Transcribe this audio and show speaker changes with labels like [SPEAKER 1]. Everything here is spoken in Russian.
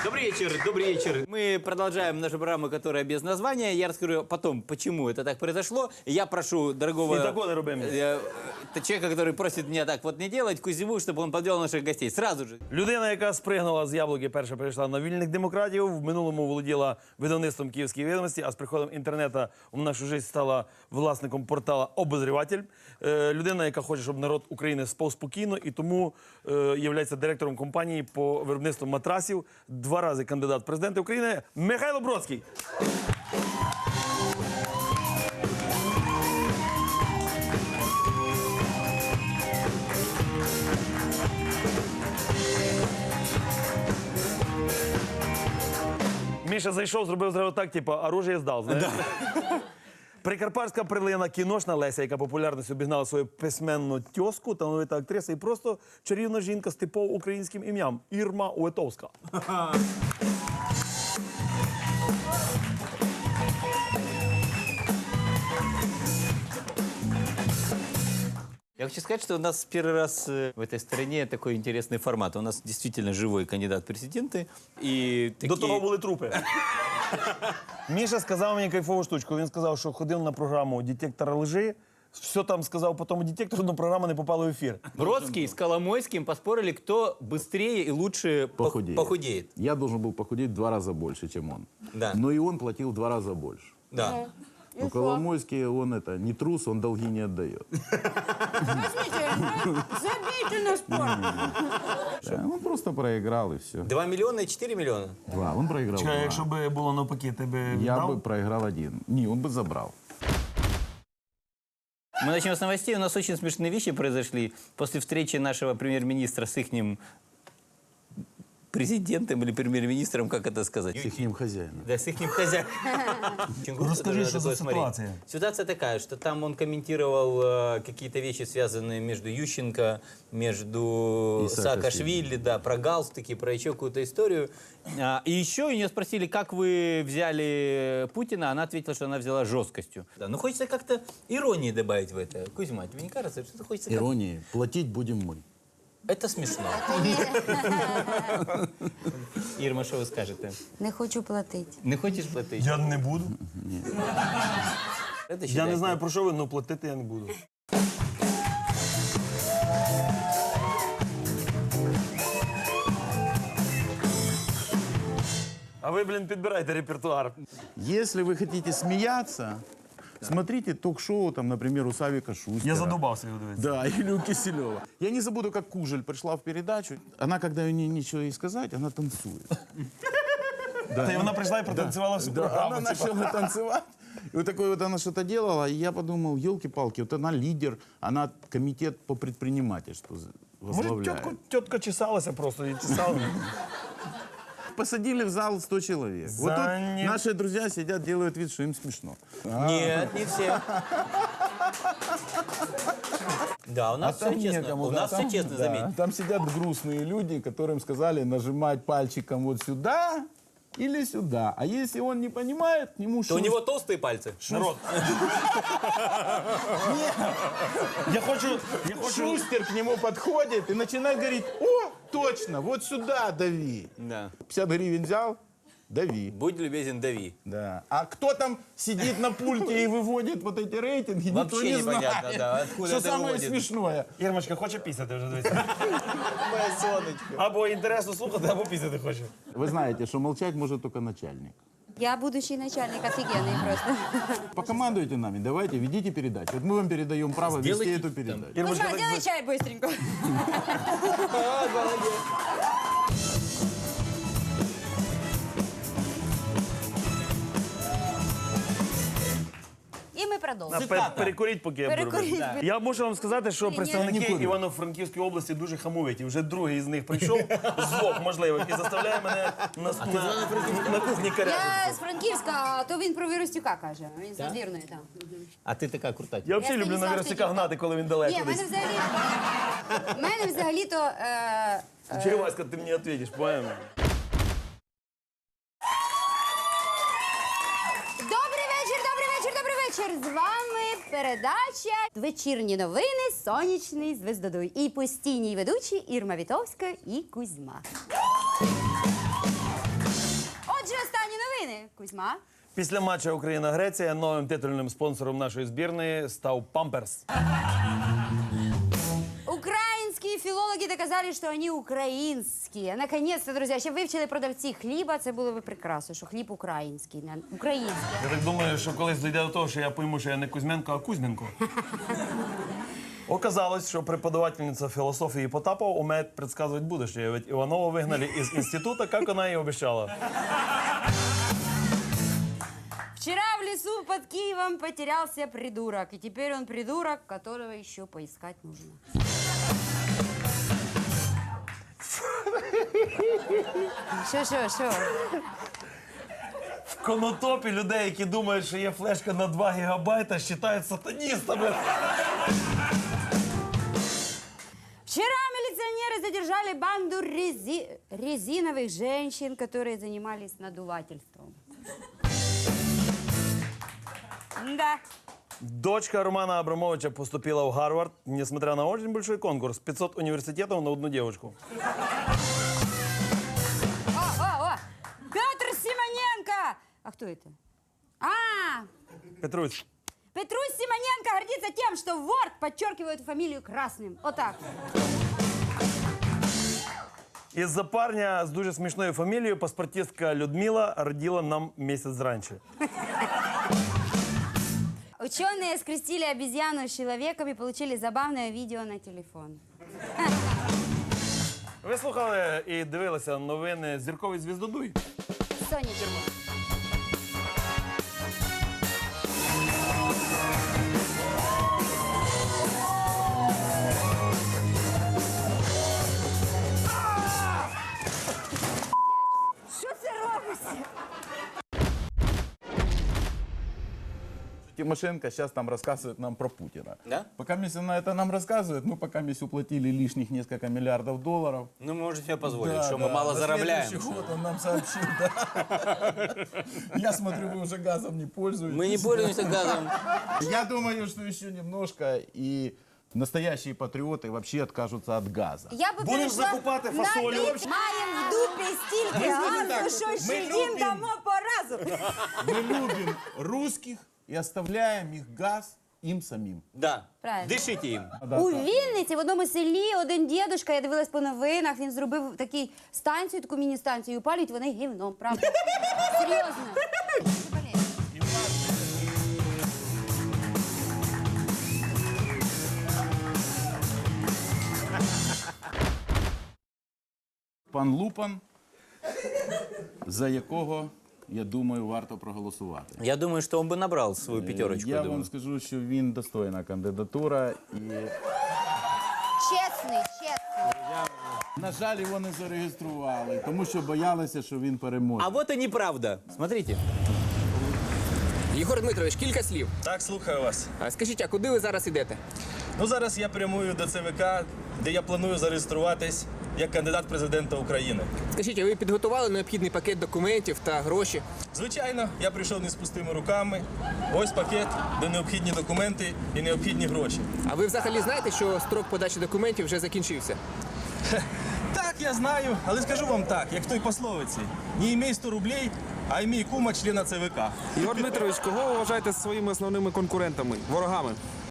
[SPEAKER 1] Добрый вечер, добрый вечер. Мы продолжаем нашу программу, которая без названия. Я расскажу потом, почему это так произошло. Я прошу дорогого человека, который просит меня так вот не делать, Кузьму, чтобы он подвел наших гостей. Сразу же.
[SPEAKER 2] Людина, яка спригнула з яблуки, перша перейшла на вільних демократів, в минулому володіла видавництвом «Київської відомості», а з приходом інтернету в нашу життя стала власником портала «Обозріватель». Людина, яка хоче, щоб народ України спав спокійно, і тому є директором компанії по виробництву матрасів, 2 рази кандидат в президенти України Михайло Бродський. Міша зайшов, зробив зразу так, типу, оружие здав, знаєш? Прикарпатська перлина, кіношна Леся, яка популярністю обігнала свою письменну тьоску, талановита актриса і просто чарівна жінка з типово українським ім'ям Ірма Уетовська.
[SPEAKER 1] Я хочу сказать, что у нас первый раз в этой стране такой интересный формат. У нас действительно живой кандидат в президенты. И такие...
[SPEAKER 2] До того були трупи. Міша сказав мені кайфову штучку. Він сказав, що ходив на програму «Детектор лжи», все там сказав по тому детектору, но программа не попала в эфир.
[SPEAKER 1] Бродский с Коломойским поспорили, кто быстрее и лучше похудеет.
[SPEAKER 3] Я должен был похудеть в 2 раза больше, чем он.
[SPEAKER 1] Да.
[SPEAKER 3] Но и он платил в 2 раза больше.
[SPEAKER 1] Да.
[SPEAKER 3] Но Коломойский, он это, не трус, он долги не отдает.
[SPEAKER 4] Забейте на спорт.
[SPEAKER 3] Да, он просто проиграл и все.
[SPEAKER 1] 2 миллиона и 4 миллиона.
[SPEAKER 3] 2, он проиграл
[SPEAKER 2] Чекай,
[SPEAKER 3] 2.
[SPEAKER 2] якщо б було навпаки, ти б
[SPEAKER 3] Я
[SPEAKER 2] віддав?
[SPEAKER 3] бы проиграл 1. Не, он бы забрал.
[SPEAKER 1] Мы начнем с новостей. У нас очень смешные вещи произошли после встречи нашего премьер-министра с ихним президентом или премьер-министром, как это сказать?
[SPEAKER 3] С ихним хозяином.
[SPEAKER 1] Да, с ихним хозяином.
[SPEAKER 2] Расскажи, что за ситуация?
[SPEAKER 1] Ситуация такая, что там он комментировал какие-то вещи, связанные между Ющенко, между
[SPEAKER 3] И
[SPEAKER 1] Саакашвили, да, про галстуки, про еще какую-то историю. И еще у нее спросили, как вы взяли Путина, она ответила, что она взяла жесткостью. Да, но хочется как-то иронии добавить в это. Кузьма, тебе не кажется, что хочется...
[SPEAKER 3] Иронии. Платить будем мы.
[SPEAKER 1] Это смешно. Ірма, що ви скажете?
[SPEAKER 4] Не хочу платити.
[SPEAKER 1] Не хочеш платити?
[SPEAKER 2] Я не буду.
[SPEAKER 1] Це
[SPEAKER 2] Я
[SPEAKER 1] считайте.
[SPEAKER 2] не знаю, про що ви, але платити я не буду. А ви, блін, підбирайте репертуар.
[SPEAKER 3] Если вы хотите смеяться, смотрите ток-шоу, там, например, у Савика Шустера.
[SPEAKER 2] Я задубався його дивитися.
[SPEAKER 3] Да, или у Киселева. Я не забуду, как Кужель пришла в передачу. Она, когда ей нечего ей сказать, она танцует.
[SPEAKER 2] Та й вона прийшла і протанцювала всю програму.
[SPEAKER 3] Она начала танцевать. И вот такое вот она что-то делала, и я подумал, елки-палки, вот она лидер, она комитет по предпринимательству
[SPEAKER 2] Може,
[SPEAKER 3] возглавляет.
[SPEAKER 2] тітка чесалася просто і чесала.
[SPEAKER 3] Посадили в зал 100 человек. Вот тут наши друзья сидят, делают вид, что им смешно.
[SPEAKER 1] Нет, не все. Да, у нас все честно. У нас все честно, заметь.
[SPEAKER 3] Там сидят грустные люди, которым сказали нажимать пальчиком вот сюда или сюда. А если он не понимает, к нему
[SPEAKER 1] То у него толстые пальцы.
[SPEAKER 2] Народ. Я хочу...
[SPEAKER 3] Шустер к нему подходит и начинает говорить: о, точно, вот сюда дави.
[SPEAKER 1] Да.
[SPEAKER 3] 50 гривен взял, дави.
[SPEAKER 1] Будь любезен, дави.
[SPEAKER 3] Да. А кто там сидит на пульте и выводит вот эти рейтинги, никто
[SPEAKER 1] Вообще
[SPEAKER 3] не
[SPEAKER 1] непонятно,
[SPEAKER 3] знает.
[SPEAKER 1] да, откуда
[SPEAKER 3] Что
[SPEAKER 1] это
[SPEAKER 3] самое
[SPEAKER 1] выводит.
[SPEAKER 3] смешное.
[SPEAKER 2] Ірмочка хоче пісяти вже, дивіться.
[SPEAKER 1] Моя сонечко.
[SPEAKER 2] Або інтересно слухати, або пісяти хоче.
[SPEAKER 3] Вы знаете, что молчать может только начальник.
[SPEAKER 4] Я будущий начальник офигенный просто.
[SPEAKER 3] Покомандуйте нами, давайте, ведите передачу. Вот мы вам передаем право вести
[SPEAKER 1] Сделайте
[SPEAKER 3] эту передачу.
[SPEAKER 2] Ірмочка,
[SPEAKER 4] Кузьма, сделай чай быстренько. І ми продовжуємо.
[SPEAKER 2] перекуріть, поки я буду
[SPEAKER 4] Перекуріть.
[SPEAKER 2] робити. Я мушу вам сказати, що
[SPEAKER 4] Ні,
[SPEAKER 2] представники
[SPEAKER 3] ні.
[SPEAKER 2] Івано-Франківської області дуже хамовиті. Вже другий з них прийшов, злок, можливо, який заставляє мене на кухні каряти.
[SPEAKER 4] Я з Франківська, а то він про Віростюка каже. Він з Надвірної там.
[SPEAKER 1] А ти така крута.
[SPEAKER 2] Я взагалі люблю на
[SPEAKER 4] Станіслав
[SPEAKER 2] Вірсика
[SPEAKER 4] Степанов.
[SPEAKER 2] гнати, коли він далеко
[SPEAKER 4] Ні, в
[SPEAKER 2] десь.
[SPEAKER 4] мене взагалі-то...
[SPEAKER 2] Череваська, ти мені відповіш, поїмо.
[SPEAKER 4] Добрий вечір, добрий вечір, добрий вечір. З вами передача «Вечірні новини. Сонячний звездодуй». І постійні ведучі Ірма Вітовська і Кузьма. Кузьма.
[SPEAKER 2] Після матчу Україна-Греція новим титульним спонсором нашої збірної став Памперс.
[SPEAKER 4] Украинские филологи доказали, что они украинские. Наконец-то, друзья, ще вивчили продавці хліба, це було би прекрасно, що хліб український, не український.
[SPEAKER 2] Я так думаю, що колись дійде до того, що я пойму, що я не Кузьменко, а Кузьменко. Оказалось, що преподавательница философии Потапова умеет предсказывать будущее. Ведь Иванова выгнали из института, как она и обещала.
[SPEAKER 4] Вчера в лесу под Киевом потерялся придурок. И теперь он придурок, которого еще поискать нужно. Що?
[SPEAKER 2] В Конотопі людей, які думають, що є флешка на 2 гігабайта, вважають сатаністами.
[SPEAKER 4] Вчера милиционеры задержали банду резиновых женщин, которые занимались надувательством. Да.
[SPEAKER 2] Дочка Романа Абрамовича поступила в Гарвард, несмотря на очень большой конкурс. 500 университетов на одну девочку.
[SPEAKER 4] О! Петр Симоненко! А кто это?
[SPEAKER 2] Петрусь,
[SPEAKER 4] Петрусь Симоненко гордится тем, что в Word подчеркивают фамилию красным. Вот так.
[SPEAKER 2] із-за парня з дуже смішною фамілією паспортистка Людмила родила нам місяць раніше.
[SPEAKER 4] Ученые скрестили обезьяну с человеком и получили забавное видео на телефон.
[SPEAKER 2] Ви слухали і дивилися новини «Зірковий звіздодуй»?
[SPEAKER 4] Сонечко. Що це робиться?
[SPEAKER 3] Тимошенко сейчас там рассказывает нам про Путина.
[SPEAKER 1] Да?
[SPEAKER 3] Пока она это нам рассказывает, мы пока уплатили лишних несколько миллиардов долларов.
[SPEAKER 1] Ну, мы можем себе позволить,
[SPEAKER 3] Да,
[SPEAKER 1] что мы
[SPEAKER 3] да.
[SPEAKER 1] мало
[SPEAKER 3] На
[SPEAKER 1] заробляем.
[SPEAKER 3] следующий год он нам сообщил, да. Я смотрю, вы уже газом не пользуетесь.
[SPEAKER 1] Мы не пользуемся газом.
[SPEAKER 3] Я думаю, что еще немножко и настоящие патриоты вообще откажутся от газа.
[SPEAKER 4] Я би
[SPEAKER 2] Будемо
[SPEAKER 4] перейшла
[SPEAKER 2] закупати
[SPEAKER 4] на
[SPEAKER 2] фасолю.
[SPEAKER 4] бік. Маємо в дупі стільки газу, що ще їм дамо по разу.
[SPEAKER 3] Мы любим русских и оставляем их газ им самим.
[SPEAKER 1] Да.
[SPEAKER 4] Правильно.
[SPEAKER 1] Дышите им.
[SPEAKER 4] У Вінниці в одному селі один дідушка, я дивилась по новинах, він зробив таку станцію, таку міні-станцію, і палять вони гівном, правда? Серйозно.
[SPEAKER 3] Пан Лупан, за якого, я думаю, варто проголосувати.
[SPEAKER 1] Я думаю, что он бы набрал свою пятерочку.
[SPEAKER 3] Я
[SPEAKER 1] думаю.
[SPEAKER 3] вам скажу, що він достойна кандидатура. І,
[SPEAKER 4] Чесний.
[SPEAKER 3] на жаль, його не зареєстрували, тому що боялися, що він переможе.
[SPEAKER 1] А вот и неправда. Смотрите.
[SPEAKER 5] Єгор Дмитрович, кілька слів.
[SPEAKER 6] Так, слухаю вас.
[SPEAKER 5] А скажіть, а куди ви зараз ідете?
[SPEAKER 6] Ну, зараз я прямую до ЦВК, де я планую зареєструватись як кандидат в президента України.
[SPEAKER 5] Скажіть, а ви підготували необхідний пакет документів та гроші?
[SPEAKER 6] Звичайно, я прийшов не з пустими руками. Ось пакет, де необхідні документи і необхідні гроші.
[SPEAKER 5] А ви взагалі знаєте, що строк подачі документів вже закінчився?
[SPEAKER 6] Так, я знаю, але скажу вам так, як в той пословиці. Не імей 100 рублей, а імей кума члена ЦВК.
[SPEAKER 7] Ігор Дмитрович, кого ви вважаєте своїми основними конкурентами, ворогами?